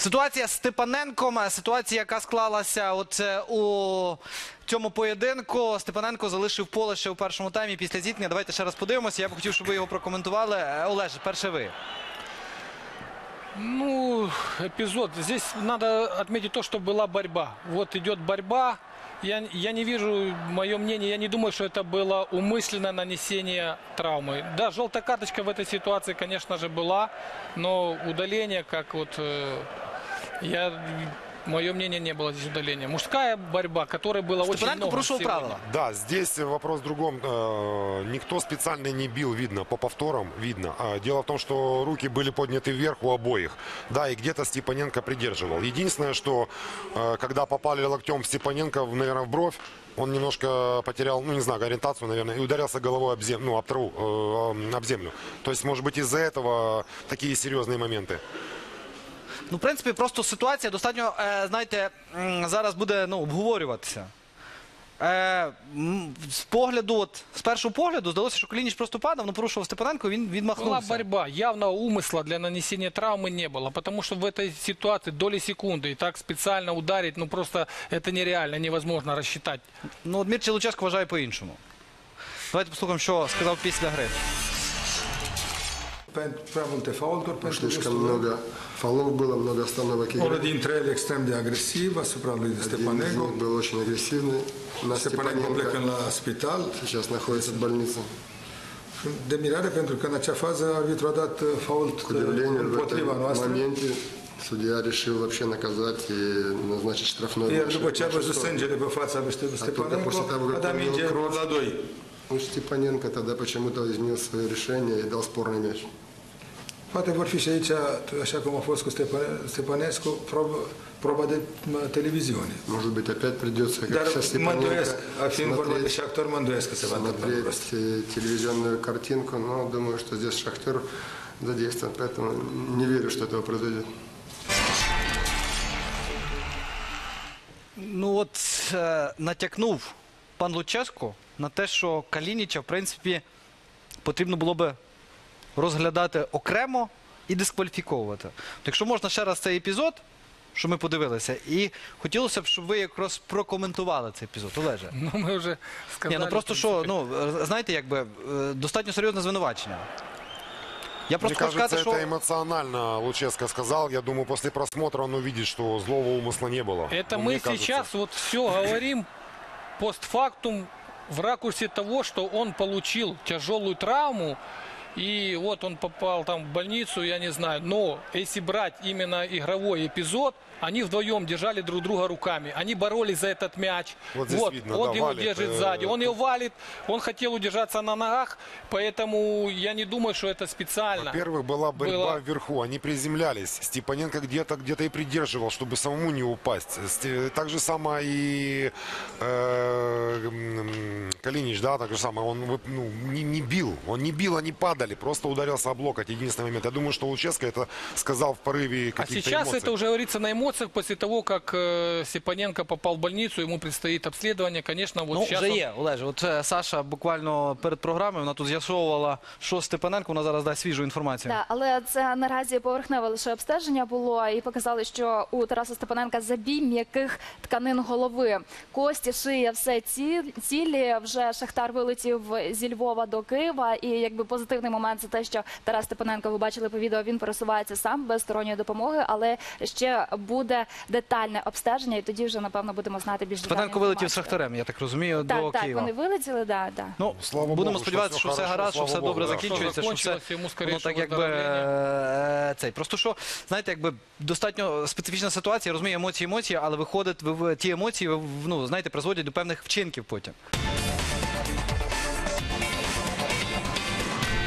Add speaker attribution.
Speaker 1: Ситуація з Степаненком, ситуація, яка склалася у цьому поєдинку. Степаненко залишив поле ще у першому таймі після зіткнення. Давайте ще раз подивимося. Я б хотів, щоб ви його прокоментували. Олеже, перше ви.
Speaker 2: Ну, эпизод. Здесь надо отметить то, что была борьба. Вот идет борьба. Я не вижу, мое мнение, я не думаю, что это было умышленное нанесение травмы. Да, желтая карточка в этой ситуации, конечно же, была. Но удаление, как вот... Мое мнение, не было здесь удаления. Мужская борьба, которой было очень много.
Speaker 1: Порушил правила.
Speaker 3: Да, здесь вопрос в другом. Никто специально не бил, видно, по повторам видно. Дело в том, что руки были подняты вверх у обоих. Да, и где-то Степаненко придерживал. Единственное, что когда попали локтем в Степаненко, наверное, в бровь, он немножко потерял, ну не знаю, ориентацию, наверное, и ударился головой об траву, об землю. То есть, может быть, из-за этого такие серьезные моменты.
Speaker 1: Ну, в принципі, просто ситуація достатньо, знаєте, зараз буде обговорюватися. З першого погляду здалося, що Калініч просто падав, але порушував Степаненко, він відмахнувся.
Speaker 2: Была борьба. Явного умысла для нанесения травмы не было. Потому что в этой ситуации доли секунды. И так специально ударить, ну просто это нереально, невозможно рассчитать.
Speaker 1: Ну, Дмитрий Луческо вважає по-іншому. Давайте послухаємо, що сказав після гри.
Speaker 4: Слишком много фолов было, много остановок игры.
Speaker 5: Один интрель экстрем de agresiva,
Speaker 4: Один из них был очень агрессивный. На
Speaker 5: Степаненко plecă la spital.
Speaker 4: Сейчас находится в больнице.
Speaker 5: De mirare, pentru că în acea fază arbitrul a dat fault
Speaker 4: К удивлению, в
Speaker 5: împotriva
Speaker 4: этом
Speaker 5: noastră.
Speaker 4: моменте судья решил вообще наказать и назначить штрафной
Speaker 5: Iar
Speaker 4: матч.
Speaker 5: după ce a văzut sângele pe fața lui Stepanenko, a dat minge la 2.
Speaker 4: Степаненко тогда почему-то изменил свое решение и дал спорный мяч.
Speaker 5: Poate vor fi și aici, așa cum a fost cu Stepanescu, proba de televiziune.
Speaker 4: Может быть, опять придется, как
Speaker 5: Dar
Speaker 4: со
Speaker 5: mă
Speaker 4: Степаненко,
Speaker 5: îndoiesc, fiind vorba de Shakhtar, mă îndoiesc că se va întâmpla lucrul ăsta.
Speaker 4: смотреть телевизионную картинку, но думаю, что здесь Шахтер задействован, поэтому не верю, что этого произойдет.
Speaker 1: Ну от натякнув пан Луческо на те, що Калініча, в принципі, потрібно було би розглядати окремо і дискваліфіковувати. Якщо можна ще раз цей епізод, що ми подивилися, і хотілося б, щоб ви якраз прокоментували цей епізод. Олеже.
Speaker 2: Ну, мы уже сказали.
Speaker 1: Ні, ну просто що, знаєте, якби, достатньо серйозне звинувачення. Я просто
Speaker 3: Мне
Speaker 1: хочу
Speaker 3: кажется,
Speaker 1: сказати,
Speaker 3: это
Speaker 1: що...
Speaker 3: эмоционально Луческо сказал. Я думаю, после просмотра он увидит, что злого умысла не было.
Speaker 2: Это
Speaker 3: Ну,
Speaker 2: мы
Speaker 3: мне кажется.
Speaker 2: сейчас вот все говорим постфактум в ракурсе того, что он получил тяжелую травму. И вот он попал там в больницу, я не знаю. Но если брать именно игровой эпизод, они вдвоем держали друг друга руками. Они боролись за этот мяч.
Speaker 3: Вот здесь видно,
Speaker 2: он
Speaker 3: да,
Speaker 2: его
Speaker 3: валит,
Speaker 2: держит сзади. Он его валит. Он хотел удержаться на ногах. Поэтому я не думаю, что это специально.
Speaker 3: Во-первых, была борьба вверху. Они приземлялись. Степаненко где-то и придерживал, чтобы самому не упасть. Так же самое и Калинич, да, так же самое. Он не бил. Он не бил, они падали. Просто ударился об локоть. Единственный момент. Я думаю, что Луческо это сказал в порыве каких-то
Speaker 2: А сейчас
Speaker 3: эмоций.
Speaker 2: это уже говорится на эмоциях после того, как Степаненко попал в больницу, ему предстоит обследование. Конечно, вот
Speaker 1: Ну,
Speaker 2: сейчас
Speaker 1: вже
Speaker 2: он...
Speaker 1: є, Олеже. От Саша буквально перед програмою, вона тут з'ясовувала, що Степаненко, вона зараз дасть свіжу інформацію.
Speaker 6: Так, але це наразі поверхневе лише обстеження було, і показали, що у Тараса Степаненка забій м'яких тканин голови. Кості, шия, все цілі. Вже Шахтар вилетів зі Львова до Києва, і якби позитивний момент це те, що Тарас Степаненко, ви бачили по відео, він пересувається сам без сторонньої допомоги, але ще буде детальне обстеження, і тоді вже, напевно, будемо знати більш детальну
Speaker 1: Степаненко вилетів з
Speaker 6: інформацію.
Speaker 1: Шахтарем, я так розумію, до
Speaker 6: Так,
Speaker 1: Києва.
Speaker 6: вони вилетіли, так.
Speaker 1: Ну,
Speaker 3: Слава
Speaker 1: будемо
Speaker 3: Богу,
Speaker 1: сподіватися, що
Speaker 3: що
Speaker 1: все
Speaker 3: все
Speaker 1: гаразд, що
Speaker 3: хорошо,
Speaker 1: все
Speaker 3: слава
Speaker 1: добре
Speaker 3: Богу, да.
Speaker 1: закінчується, що
Speaker 2: Закончилось,
Speaker 1: все,
Speaker 2: йому
Speaker 1: воно
Speaker 2: скоріше
Speaker 1: так якби цей. Просто що, знаєте, якби достатньо специфічна ситуація, я розумію, емоції, але виходить, ті емоції, ну, знаєте, призводять до певних вчинків потім.